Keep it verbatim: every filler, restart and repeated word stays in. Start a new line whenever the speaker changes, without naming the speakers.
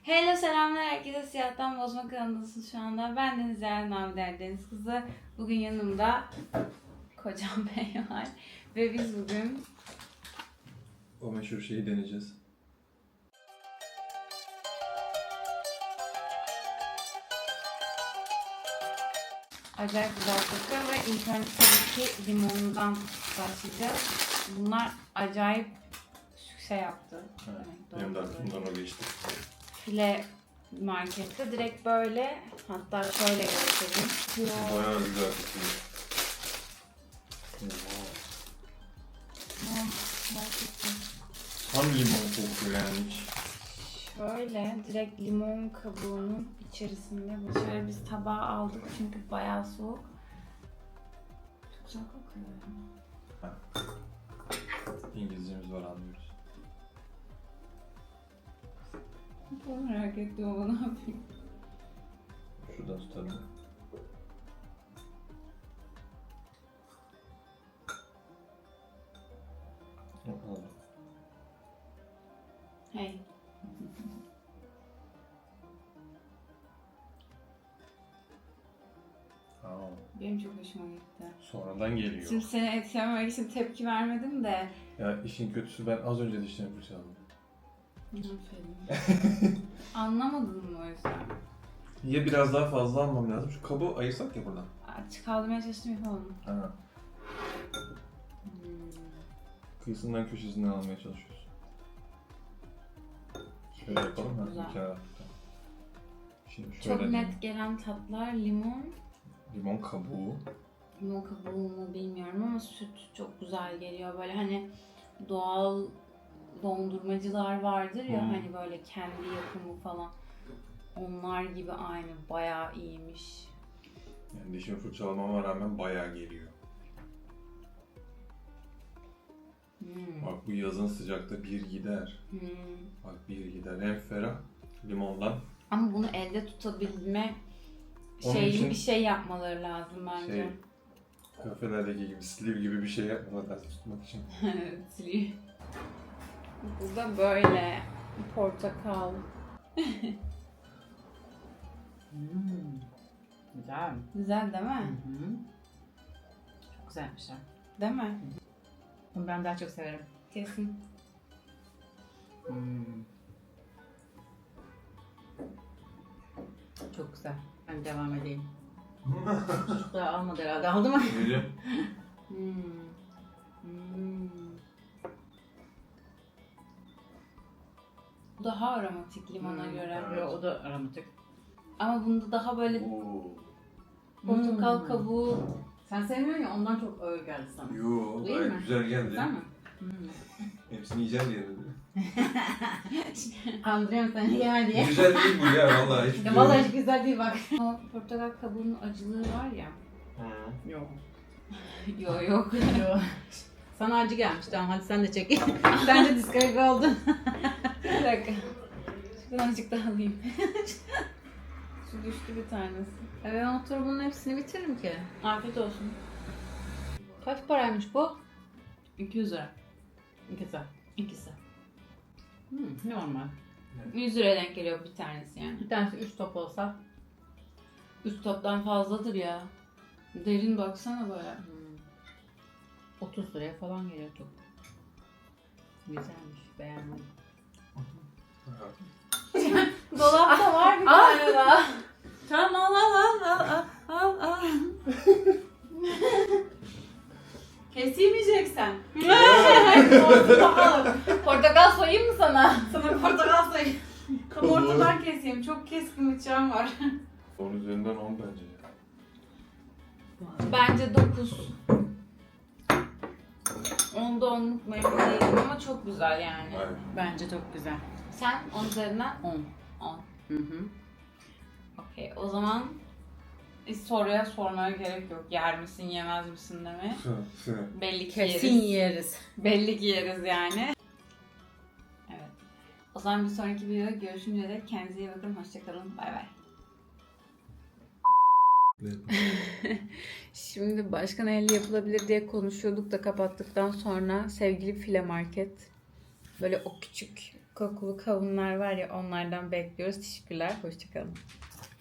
Hello, selamlar herkese. Siyahtan Bozma kanalındasınız şu anda. Ben Deniz Yaren Navider Deniz Kızı. Bugün yanımda kocam Bey var. Ve biz bugün
o meşhur şeyi deneyeceğiz.
acayip güzel kokuyor ve ilk önce tabii ki limonundan başlayacağız. Bunlar acayip şey yaptı.
Evet,
Evet,
benim de
doğru.
aklımdan o geçti.
File markette direkt böyle, hatta şöyle göstereyim.
Bayağı güzel kokuyor.
Oh, gerçekten.
Tam limon kokuyor yani hiç.
Şöyle direkt limon kabuğunun içerisinde şöyle biz tabağa aldık çünkü bayağı soğuk. Çok güzel kokuyor.
İngilizcemiz var, anlıyoruz.
Çok merak ettim ama ne yapayım.
Şuradan tutalım. Bakalım.
Hey.
Aa,
Benim çok hoşuma gitti.
sonradan geliyor.
Şimdi seni etkilememek için tepki vermedim de.
Ya işin kötüsü ben az önce dişlerimi fırçaladım.
Aferin. Anlamadın mı o yüzden?
Ya biraz daha fazla almam lazım. Şu kabuğu ayırsak ya buradan.
Aç kaldırmaya çalıştım, yapamadım.
Ha.
Hmm.
Kıyısından köşesinden almaya çalışıyoruz. Şöyle yapalım
Çok
mı?
güzel.
Mükemmel. Şimdi şöyle
Çok
diyeyim.
net gelen tatlar limon.
Limon kabuğu.
Limon kabuğu mu bilmiyorum ama süt çok güzel geliyor. Böyle hani doğal dondurmacılar vardır ya,
Hmm.
hani böyle kendi yapımı falan. Onlar gibi aynı, bayağı iyiymiş.
Yani dişimi fırçalamama rağmen bayağı geliyor.
Hmm.
Bak bu yazın sıcakta bir gider.
Hmm.
Bak bir gider. Hem ferah limondan.
Ama bunu elde tutabilme
Onun
şeyli
için
bir şey yapmaları lazım bence.
Şey, kafelerdeki gibi sleeve gibi bir şey yapmalar lazım tutmak için.
Siliyor. Bu da böyle portakal.
Hmm. Güzel.
Güzel değil
Hı
mi?
hı. Çok güzelmişler.
Değil mi?
Bunu ben daha çok severim.
Kesin.
Hmm. Çok güzel. Ben devam edeyim. Çocuklar almadı herhalde. Aldı mı?
Böyle
Hmm. Hmm. Bu daha aromatik limona
Hmm.
göre.
Evet.
Yo, o da aromatik.
Ama bunda daha böyle
ooo.
portakal
Hmm.
kabuğu.
Sen sevmiyorsun ya, ondan çok ağır geldi sana.
Yo,
Değil
gayet
mi?
güzel geldi.
Güzel mi? Hmm.
Hepsini yiyeceğim diye dedi.
Kandırıyorum seni ya diye.
Güzel değil bu ya vallahi. Hiç
Ya vallahi hiç güzel değil bak.
O portakal kabuğunun acılığı var ya.
Hı.
Yok.
Yok yok.
Yok. Sana acı gelmiş. Tamam hadi sen de çek. Sen de diskalifiye oldun.
Bir dakika. Şuradan azıcık daha alayım. Su düştü bir tanesi.
E ben oturup bunun hepsini bitiririm ki.
Afiyet olsun.
Kaç paraymış bu?
iki yüz lira.
İkisi.
İkisi.
Hmm, normal.
yüz liraya denk geliyor bir tanesi yani.
Bir tanesi üç top olsa.
Üst toptan fazladır ya. Derin baksana böyle.
Hmm, otuz liraya falan geliyor top. Güzelmiş, beğendim.
Dolapta var bir
Al.
tane daha. Tamam, al al al al al al. Kesilmeyeceksen. Portakal. Portakal soyayım mı sana? Sana portakal soyayım. Tam ortadan keseyim. Çok keskin bıçağım var.
Onun üzerinden on bence ya.
Bence dokuz. Onda onluk mu emin değilim ama çok güzel yani.
Hayır.
Bence çok güzel.
Sen on üzerinden
on.
on.
Hı hı.
Okey, o zaman hiç soruya sormaya gerek yok. Yer misin, yemez misin demeye. Belli ki
Kesin
yeriz.
yeriz.
Belli ki yeriz yani. Evet. O zaman bir sonraki videoda görüşünceye dek kendinize iyi bakın. Hoşçakalın. Bay bay. Şimdi başka ne elde yapılabilir diye konuşuyorduk da kapattıktan sonra sevgili File Market. Böyle o küçük kokulu kavunlar var ya onlardan bekliyoruz. Teşekkürler. Hoşçakalın.